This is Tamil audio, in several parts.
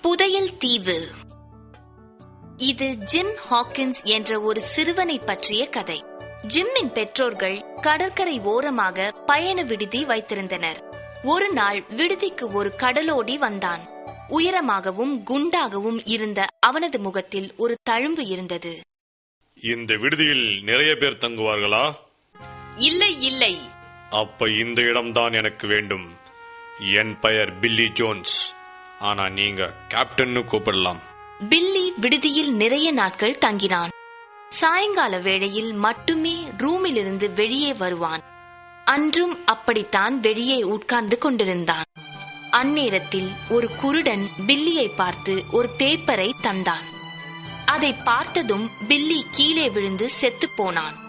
புதையல் தீவு. இது ஜிம் ஹாக்கின்ஸ் என்ற ஒரு சிறுவனை பற்றிய கதை. ஜிம்மின் பெற்றோர்கள் கடற்கரை ஓரமாக பயண விடுதி வைத்திருந்தனர். ஒரு நாள் விடுதிக்கு ஒரு கடலோடி வந்தான். உயரமாகவும் குண்டாகவும் இருந்த அவனது முகத்தில் ஒரு தழும்பு இருந்தது. இந்த விடுதியில் நிறைய பேர் தங்குவார்களா? இல்லை இல்லை. அப்ப இந்த இடம்தான் எனக்கு வேண்டும். என் பெயர் பில்லி ஜோன்ஸ். ஆனா நீங்க கேப்டன் கூப்பிடலாம். பில்லி விடுதியில் நிறைய நாட்கள் தங்கினான். சாயங்கால வேளையில் மட்டுமே ரூமிலிருந்து வெளியே வருவான். அன்றும் அப்படித்தான் வெளியே உட்கார்ந்து கொண்டிருந்தான். அந்நேரத்தில் ஒரு குருடன் பில்லியை பார்த்து ஒரு பேப்பரை தந்தான். அதை பார்த்ததும் பில்லி கீழே விழுந்து செத்து போனான்.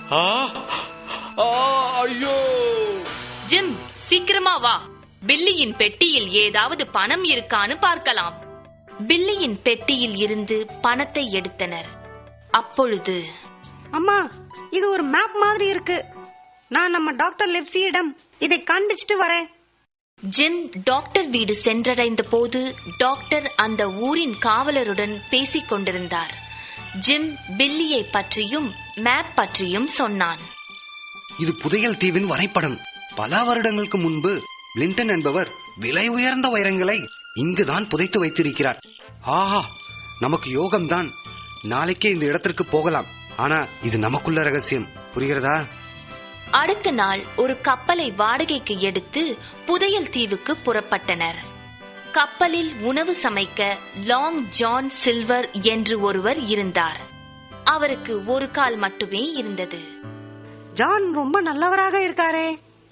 ஜிம், சீக்கிரமா வா. பில்லியின் பெட்டியில் ஏதாவது பணம் இருக்கான்னு பார்க்கலாம். பில்லியின் பெட்டியில் இருந்து பணத்தை எடுத்தனர். அப்பொழுது, அம்மா, இது ஒரு மேப் மாதிரி இருக்கு. நான் நம்ம டாக்டர் லிவ்ஸியிடம் இதை காண்பிச்சிட்டு வரேன். ஜிம் டாக்டர் வீடு சென்றடைந்த போது டாக்டர் அந்த ஊரின் காவலருடன் பேசிக் கொண்டிருந்தார். ஜிம் பில்லியை பற்றியும் மேப் பற்றியும் சொன்னான். இது புதையல் தீவின் வரைபடம். பல வருடங்களுக்கு முன்பு பிளின்டன் என்பவர் விலை உயர்ந்த வைரங்களை இங்குதான் புதைத்து வைத்திருக்கிறார். ஆஹா, நமக்கு யோகம்தான். நாளைக்கே இந்த இடத்திற்கு போகலாம். ஆனா இது நமக்குள்ள ரகசியம், புரிகிறதா? அடுத்த நாள் ஒரு கப்பலை வாடகைக்கு எடுத்து புதையல் தீவுக்கு புறப்பட்டனர். கப்பலில் உணவு சமைக்க லாங் ஜான் சில்வர் என்று ஒருவர் இருந்தார். அவருக்கு ஒரு கால் மட்டுமே இருந்தது. ஜான் ரொம்ப நல்லவராக இருக்காரே.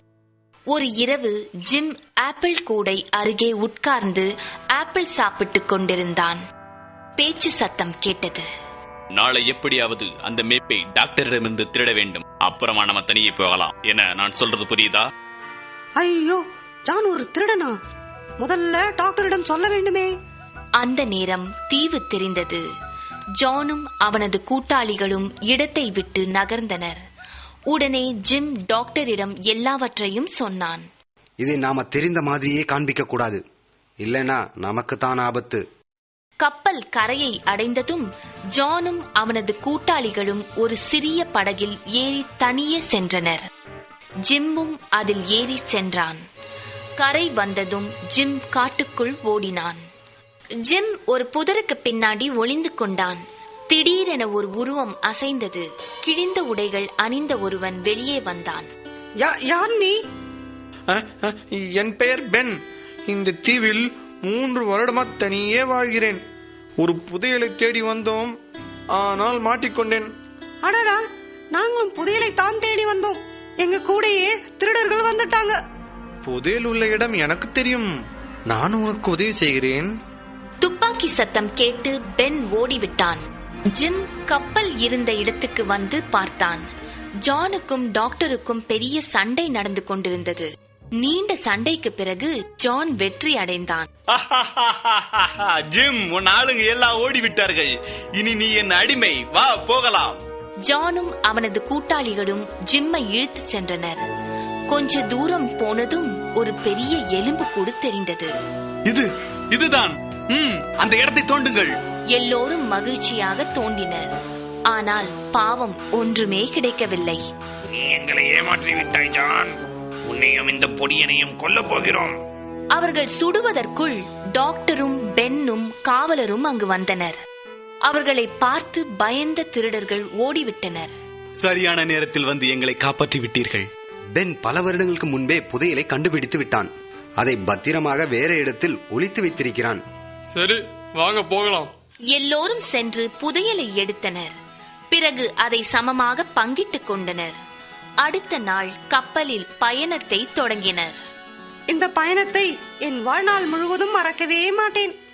ஒரு இரவு ஜிம் ஆப்பிள் கூடை அருகே உட்கார்ந்து ஆப்பிள் சாப்பிட்டுக் கொண்டிருந்தான். பேச்சு சத்தம் கேட்டது. நாளை எப்படியாவது அந்த மேப்பை டாக்டரிடமிருந்து திருட வேண்டும். அப்புறமா நம்ம தனியே போகலாம். என்ன நான் சொல்றது புரியுதா? ஐயோ, ஜான் ஒரு திருடனா? முதல்ல டாக்டரிடம் சொல்ல வேண்டுமே. அந்த நேரம் தீவு தெரிந்தது. ஜானும் அவனது கூட்டாளிகளும் இடத்தை விட்டு நகர்ந்தனர். உடனே ஜிம் டாக்டரிடம் எல்லாவற்றையும் சொன்னான். இதை நாம தெரிந்த மாதிரியே காண்பிக்க கூடாது, இல்லனா நமக்கு தான் ஆபத்து. கப்பல் கரையை அடைந்ததும் ஜானும் அவனது கூட்டாளிகளும் ஒரு சிறிய படகில் ஏறி தனியே சென்றனர். ஜிம்மும் அதில் ஏறி சென்றான். கரை வந்ததும் ஜிம் காட்டுக்குள் ஓடினான். ஜிம் ஒரு புதருக்கு பின்னாடி ஒளிந்து கொண்டான். திடீரென ஒரு உருவம் அசைந்தது. கிழிந்த உடைகள் அணிந்த ஒருவன் வெளியே வந்தான். யார் நீ? என் பெயர் பென். இந்த தீவில் 3 வருடமா தனியே வாழ்கிறேன். ஒரு புதையலை தேடி வந்தோம், ஆனால் மாட்டிக்கொண்டேன். அடடா, நாங்களும் புதையலை தான் தேடி வந்தோம். எங்க கூடயே திருடர்கள் வந்துட்டாங்க. புதையல் உள்ள இடம் எனக்கு தெரியும். நான் உனக்கு உதவி செய்கிறேன். துப்பாக்கி சத்தம் கேட்டு பென் ஓடிவிட்டான். ஜிம் கப்பல் இருந்த இடத்துக்கு வந்து பார்த்தான். ஜானுக்கும் டாக்டருக்கும் பெரிய சண்டை நடந்து கொண்டிருந்தது. நீண்ட சண்டைக்கு பிறகு ஜான் வெற்றி அடைந்தான். ஜிம், உன் ஆளுங்க எல்லாம் ஓடிவிட்டார்கள். இனி நீ என் அடிமை. வா போகலாம். ஜானும் அவனது கூட்டாளிகளும் ஜிம்மை இழுத்து சென்றனர். கொஞ்ச தூரம் போனதும் ஒரு பெரிய எலும்பு கூடு தெரிந்தது. இதுதான். அந்த இடத்தை தோண்டுங்கள். எல்லோரும் மகிழ்ச்சியாக தோண்டினர். ஆனால் பாவம், ஒன்றுமே கிடைக்கவில்லை. நீ எங்களை ஏமாற்றி விட்டாய் ஜான். உன்னையும் இந்த பொடியனையும் கொல்ல போகிறோம். அவர்கள் சுடுவதற்குள் டாக்டரும் பென்னும் காவலரும் அங்கு வந்தனர். அவர்களை பார்த்து பயந்த திருடர்கள் ஓடிவிட்டனர். சரியான நேரத்தில் வந்து எங்களை காப்பாற்றி விட்டீர்கள். பென் பல வருடங்களுக்கு முன்பே புதையலை கண்டுபிடித்து விட்டான். அதை பத்திரமாக வேற இடத்தில் ஒளித்து வைத்திருக்கிறான். சரி, வாங்க போகலாம். எல்லோரும் சென்று புதையலை எடுத்தனர். பிறகு அதை சமமாக பங்கிட்டுக் கொண்டனர். அடுத்த நாள் கப்பலில் பயணத்தை தொடங்கினர். இந்த பயணத்தை என் வாழ்நாள் முழுவதும் மறக்கவே மாட்டேன்.